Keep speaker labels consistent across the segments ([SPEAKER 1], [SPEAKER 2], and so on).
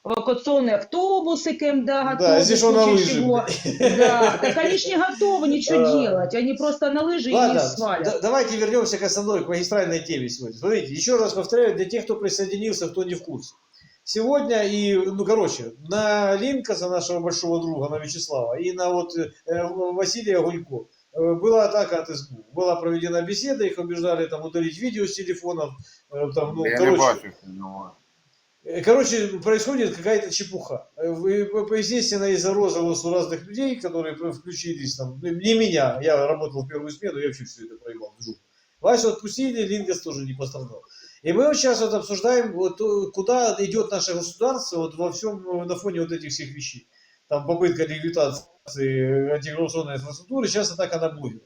[SPEAKER 1] эвакуационные автобусы КМДА готовы.
[SPEAKER 2] Да, здесь он на лыжи.
[SPEAKER 1] Да, так они ж не готовы ничего делать, они просто на лыжи и не свалят.
[SPEAKER 2] Давайте вернемся к основной, к магистральной теме сегодня. Смотрите, еще раз повторяю, для тех, кто присоединился, кто не в курсе. Сегодня на Линкаса, нашего большого друга, на Вячеслава, и на Василия Гулько была атака от СБУ. Была проведена беседа, их убеждали там удалить видео с телефонов. Происходит какая-то чепуха. Естественно, из-за розыгрыша разных людей, которые включились, не меня, я работал в первую смену, я вообще все это проебал. Васю отпустили, Линкас тоже не пострадал. И мы сейчас обсуждаем, куда идет наше государство во всем на фоне этих всех вещей. Там попытка ликвидации антикоррупционной инфраструктуры, сейчас атака на блогеров.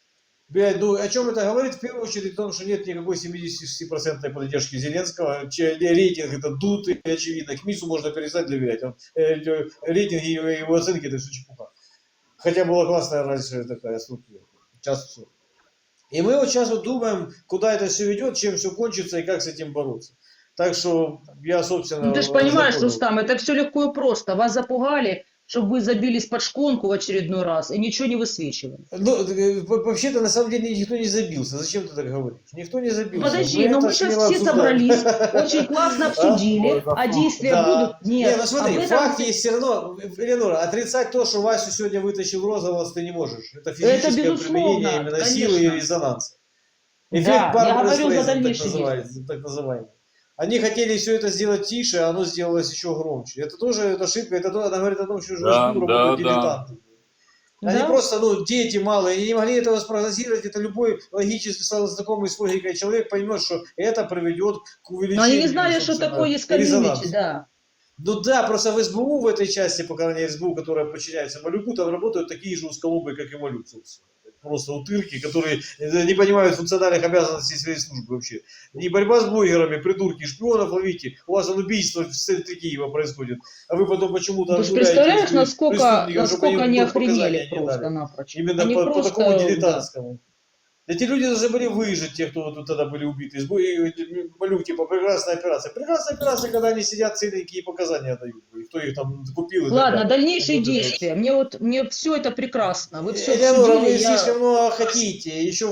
[SPEAKER 2] О чем это говорит? В первую очередь о том, что нет никакой 76% поддержки Зеленского. Рейтинг это дутый, очевидно. К МИСу можно перестать доверять. Рейтинги и его оценки это все чепуха. Хотя была классная раньше такая структура. Сейчас все. И мы сейчас думаем, куда это все ведет, чем все кончится и как с этим бороться. Так что я, собственно...
[SPEAKER 1] Ты же понимаешь, Рустам, это все легко и просто. Вас запугали, чтобы вы забились под шконку в очередной раз и ничего не высвечивали.
[SPEAKER 2] Вообще-то, на самом деле, никто не забился. Зачем ты так говоришь? Никто не забился.
[SPEAKER 1] Подожди, но мы сейчас все собрались, очень классно обсудили, а действия будут? Нет.
[SPEAKER 2] Ну смотри, факт есть все равно. Элеонора, отрицать то, что Васю сегодня вытащил розового, ты не можешь. Это физическое применение именно силы и резонанса. Эффект Барбары, так называемый. Они хотели все это сделать тише, а оно сделалось еще громче. Это тоже ошибка. Она говорит о том, что уже работают дилетанты. Они просто, дети малые, они не могли этого спрогнозировать. Это любой логически знакомый с логикой человек поймет, что это приведет к увеличению.
[SPEAKER 1] Но они не знали, что такое есть комьюнити, да.
[SPEAKER 2] Ну да, просто в СБУ, в этой части, по крайней мере, СБУ, которая подчиняется Малюку, там работают такие же узколобые, как и Малюк, собственно. Просто утырки, которые не понимают функциональных обязанностей своей службы вообще. Не борьба с блогерами, придурки, шпионов ловите. У вас убийство в центре Киева происходит. А вы потом почему-то...
[SPEAKER 1] Ты представляешь, насколько они охренели просто-напрочь.
[SPEAKER 2] Именно по такому дилетантскому. Эти люди должны были выжить, те, кто тогда были убиты. Малюк, типа, прекрасная операция. Прекрасная операция, когда они сидят целенькие показания дают. Кто их там купил.
[SPEAKER 1] Ладно, дальнейшие действия. Мне все это прекрасно. Вы все
[SPEAKER 2] Элеонора, вы слишком много хотите. Еще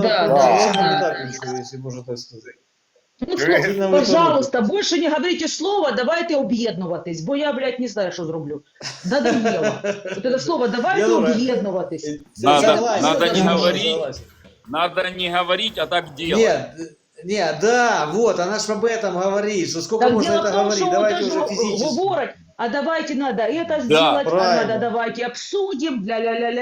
[SPEAKER 2] если можно так сказать.
[SPEAKER 1] Пожалуйста, больше не говорите слово, давайте об'єднуватись, бо я, блядь, не знаю, що зроблю. Надоело. Вот это слово «давайте об'єднуватись».
[SPEAKER 3] Надо не говорить, а так делать.
[SPEAKER 2] Нет, да, вот, она ж об этом говорит, что сколько можно это говорить, давайте уже физически.
[SPEAKER 1] А давайте надо это сделать, а надо давайте обсудим, ля-ля-ля-ля.